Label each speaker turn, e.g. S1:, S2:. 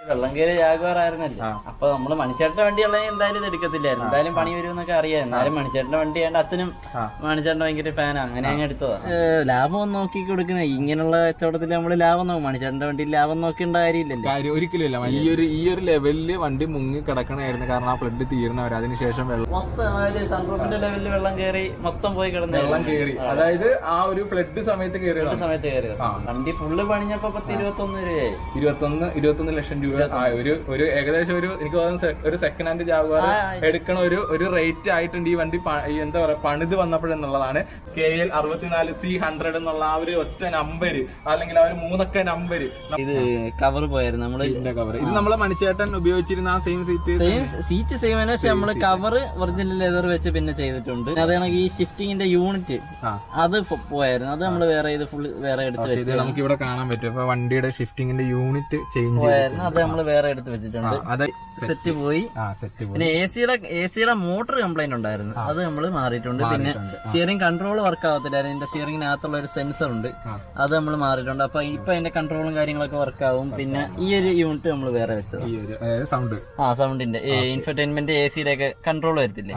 S1: വെള്ളം കയറി ജാഗ്വാർ ആയിരുന്നല്ലോ. അപ്പൊ നമ്മള് മണിച്ചേട്ടന്റെ വണ്ടിയുള്ള എന്തായാലും ഇത് എടുക്കത്തില്ലായിരുന്നു, എന്തായാലും പണി വരുമെന്നൊക്കെ അറിയാം. എന്നാലും മണിച്ചേട്ടന്റെ വണ്ടി ആയതുകൊണ്ട് അച്ഛനും മണിച്ചേട്ടന്റെ ഭയങ്കര ഫാനാ, അങ്ങനെ അങ്ങ് എടുത്തതാ. ലാഭം നോക്കി കൊടുക്കുന്ന ഇങ്ങനെയുള്ള കച്ചവടത്തിൽ നമ്മള് ലാഭം നോക്കും. മണിച്ചേട്ടന്റെ വണ്ടിയിൽ ലാഭം നോക്കേണ്ട കാര്യമില്ലല്ലോ.
S2: ഒരിക്കലും ഇല്ല. ഈ ഒരു ലെവലില് വണ്ടി മുങ്ങി കിടക്കണായിരുന്നു, കാരണം ആ ഫ്ലഡ് തീർന്നവർ അതിനുശേഷം
S1: മൊത്തം സൺറൂഫിന്റെ ലെവലിൽ വെള്ളം കയറി മൊത്തം പോയി കിടന്നു.
S2: വെള്ളം കയറി, അതായത് ആ ഒരു ഫ്ലഡ് സമയത്ത് കയറി
S1: വണ്ടി ഫുള്ള് പണിഞ്ഞപ്പോ 21 രൂപയായി.
S2: 21 ലക്ഷം രൂപ ഒരു ഏകദേശം എനിക്ക് തോന്നുന്നു ഒരു സെക്കൻഡ് ഹാൻഡ് ജാഗ്വാർ എടുക്കണ ഒരു റേറ്റ് ആയിട്ടുണ്ട് ഈ വണ്ടി. എന്താ പറയാ, പണിത് വന്നപ്പോഴെന്നുള്ളതാണ്. KL 64C100 എന്നുള്ള ആ ഒരു ഒറ്റ നമ്പര്, അല്ലെങ്കിൽ ആ ഒരു 3 നമ്പര്.
S1: ഇത് കവർ പോയായിരുന്നു നമ്മള്.
S2: ഇത് നമ്മളെ മണിച്ചേട്ടൻ ഉപയോഗിച്ചിരുന്ന ആ സെയിം
S1: സീറ്റ് സെയിം ആണ്, പക്ഷെ നമ്മള് കവർ ഒറിജിനൽ ലെതർ വെച്ച് പിന്നെ ചെയ്തിട്ടുണ്ട്. അതാണ് ഈ ഷിഫ്റ്റിങ്ങിന്റെ യൂണിറ്റ് അത് പോയായിരുന്നു, അത് നമ്മള് വേറെ ഫുൾ വേറെ എടുത്ത് വെച്ചു.
S2: നമുക്ക് ഇവിടെ കാണാൻ പറ്റും. അപ്പൊ വണ്ടിയുടെ ഷിഫ്റ്റിങ്ങിന്റെ യൂണിറ്റ് ചേഞ്ച്
S1: പോയായിരുന്നു, അത് നമ്മള് വേറെ എടുത്ത് വെച്ചിട്ടുണ്ട്. സെറ്റ് പോയി. പിന്നെ എസിയുടെ മോട്ടർ കംപ്ലൈന്റ് ഉണ്ടായിരുന്നു, അത് നമ്മള് മാറിയിട്ടുണ്ട്. പിന്നെ സ്റ്റിയറിംഗ് കൺട്രോൾ വർക്ക് ആവത്തില്ലായിരുന്നു, ഇതിന്റെ സ്റ്റിയറിംഗിനകത്തുള്ള ഒരു സെൻസർ ഉണ്ട്, അത് നമ്മൾ മാറിയിട്ടുണ്ട്. അപ്പൊ ഇപ്പൊ അതിന്റെ കൺട്രോളും കാര്യങ്ങളൊക്കെ വർക്ക് ആവും. പിന്നെ ഈ ഒരു യൂണിറ്റ് നമ്മൾ വേറെ വെച്ചത്, സൗണ്ടിന്റെ ഇൻഫർടൈൻമെന്റ് എസിയുടെ ഒക്കെ കൺട്രോൾ വരത്തില്ലേ,